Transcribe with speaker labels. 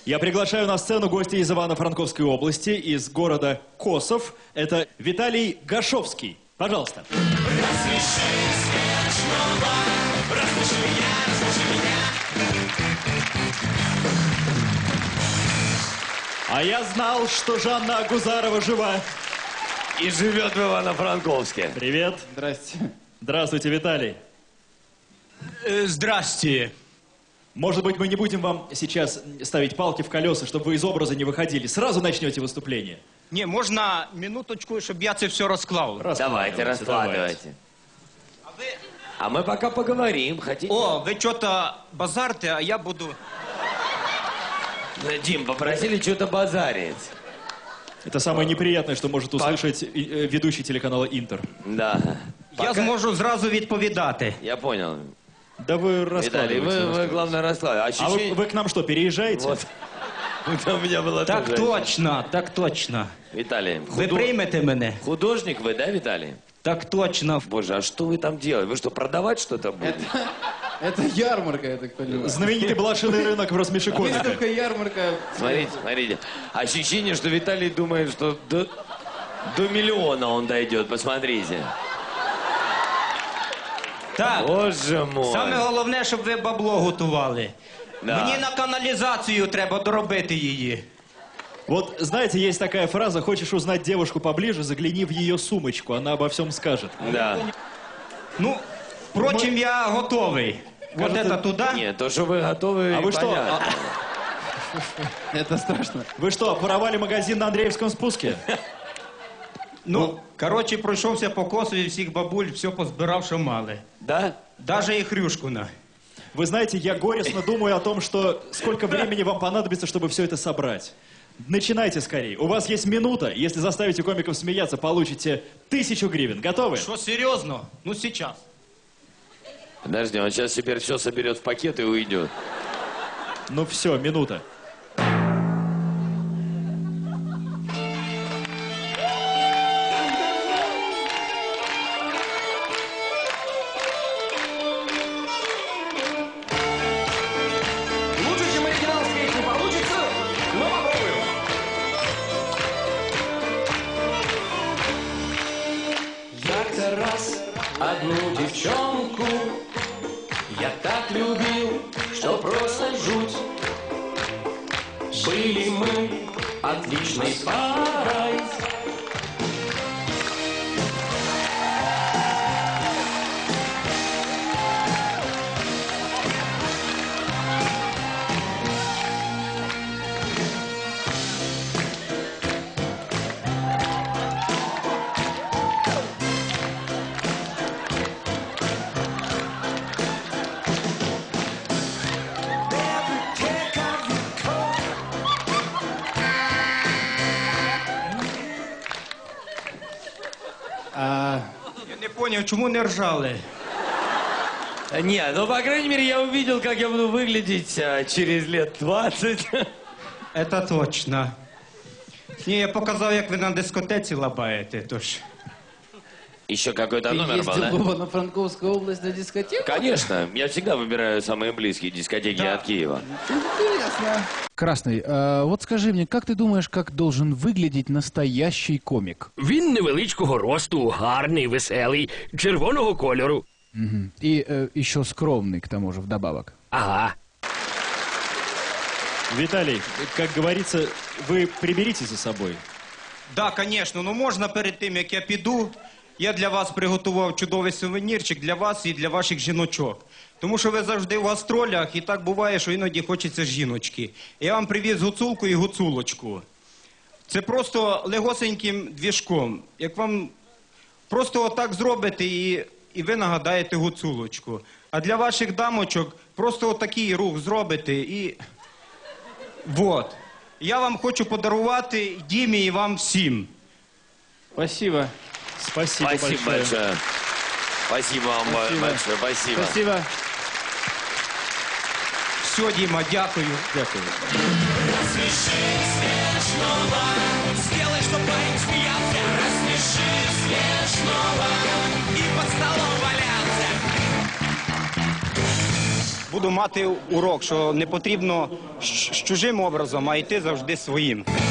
Speaker 1: Я приглашаю на сцену гостя из Ивано-Франковской области, из города Косов. Это Виталий Гашовский. Пожалуйста.
Speaker 2: Рассмеши смешного, рассмеши меня, рассмеши меня.
Speaker 1: А я знал, что Жанна Агузарова жива.
Speaker 3: И живет в Ивано-Франковске.
Speaker 1: Привет.
Speaker 4: Здрасте.
Speaker 1: Здравствуйте, Виталий.
Speaker 4: Здрасте.
Speaker 1: Может быть, мы не будем вам сейчас ставить палки в колеса, чтобы вы из образа не выходили. Сразу начнете выступление.
Speaker 4: Не, можна минуточку, щоб я це все розклав?
Speaker 3: Давайте, раскладывайте. А мы пока поговорим, хотите?
Speaker 4: О, ви що-то базарте, а я буду...
Speaker 3: Дим, попросили что-то базарить.
Speaker 1: Это самое неприятное, что может услышать ведущий телеканала «Интер».
Speaker 3: Да.
Speaker 4: Я зможу зразу відповідати.
Speaker 3: Я понял.
Speaker 1: Да вы
Speaker 3: Виталий,
Speaker 1: раскладывайте.
Speaker 3: вы главное, раскладывайте.
Speaker 1: А вы к нам что, переезжаете?
Speaker 3: Вот. Это у меня было
Speaker 4: Так
Speaker 3: тоже.
Speaker 4: точно, так точно.
Speaker 3: Виталий,
Speaker 4: Ви приймете мене?
Speaker 3: художник вы, да, Виталий?
Speaker 4: Так точно.
Speaker 3: Боже, а что вы там делаете? Вы что, продавать что-то будете?
Speaker 5: Это ярмарка, я так понимаю.
Speaker 1: Знаменитый блошиный рынок в Рассмеши-Комика.
Speaker 5: Выставка, ярмарка.
Speaker 3: Смотрите, смотрите. Ощущение, что Виталий думает, что до миллиона он дойдет. Посмотрите.
Speaker 4: Так,
Speaker 3: Боже мой.
Speaker 4: саме головне, щоб ви бабло готували.
Speaker 3: Да.
Speaker 4: Мені на каналізацію треба доробити її.
Speaker 1: Вот, знаете, есть такая фраза: хочешь узнать девушку поближе, загляни в ее сумочку, она обо всем скажет.
Speaker 3: Да.
Speaker 4: Ну, впрочем, я готовий. Вот
Speaker 1: Кажется,
Speaker 4: это туда.
Speaker 3: Нет, то, что вы готовы,
Speaker 1: А вы что?
Speaker 3: понятно.
Speaker 5: Это страшно.
Speaker 1: Вы что, воровали магазин на Андреевском спуске?
Speaker 4: Ну, коротше, пройшовся по Косові, всіх бабуль, все позбирав, що мали.
Speaker 3: Да?
Speaker 4: Даже і Хрюшкуна.
Speaker 1: Вы знаете, я горестно думаю о том, что сколько времени вам понадобится, чтобы все это собрать. Начинайте скорее. У вас есть минута. Если заставите комиков смеяться, получите 1000 гривен. Готовы?
Speaker 4: Що, серйозно? Ну, сейчас.
Speaker 3: Подожди, он сейчас теперь все соберет в пакет и уйдет.
Speaker 1: Ну все, минута.
Speaker 2: Лучше, чем оригинал, скорее не получится, но попробуем. Як-то раз одну девчонку я так любил, что просто жуть. Были мы отличной парой.
Speaker 4: Я не поняв, чому не ржали?
Speaker 3: Не, ну, по крайней мере, я увидел, как я буду выглядеть через лет 20.
Speaker 4: Это точно. Ні, я показав, як ви на дискотеці лабаєте, тож...
Speaker 3: Еще какой-то
Speaker 5: Ты
Speaker 3: номер был,
Speaker 5: ездил
Speaker 3: да?
Speaker 5: в Ивано-Франковскую область на дискотеку?
Speaker 3: Конечно, я всегда выбираю самые близкие дискотеки
Speaker 4: Да.
Speaker 3: от Киева.
Speaker 5: Интересно.
Speaker 6: Красный, вот скажи мне, как ты думаешь, как должен выглядеть настоящий комик?
Speaker 7: Він невеличкого росту, гарний, веселий, червоного кольору.
Speaker 6: И еще скромный, к тому же, вдобавок.
Speaker 7: Ага.
Speaker 1: Виталий, как говорится, вы приберите за собой.
Speaker 4: Да, звісно, ну можна перед тим, як я піду, я для вас приготував чудовий сувенірчик для вас і для ваших жіночок. Тому що ви завжди в гастролях, і так буває, що іноді хочеться жіночки. Я вам привіз гуцулку і гуцулочку. Це просто легосеньким двіжком. Як вам просто отак зробите, і ви нагадаєте гуцулочку. А для ваших дамочок просто отакий рух зробите і... Вот. Я вам хочу подарувати Дімі і вам всім.
Speaker 5: Спасибо.
Speaker 1: Спасибо,
Speaker 3: Спасибо большое. Спасибо вам
Speaker 5: Спасибо.
Speaker 3: большое. Спасибо.
Speaker 5: Спасибо.
Speaker 4: Все, Діма, дякую.
Speaker 1: Дякую.
Speaker 2: Рассмеши смешного, сделай, чтоб парень смеялся. Рассмеши смешного и под столом валялся.
Speaker 4: буду мати урок, що не потрібно з чужим образом, а йти завжди своїм.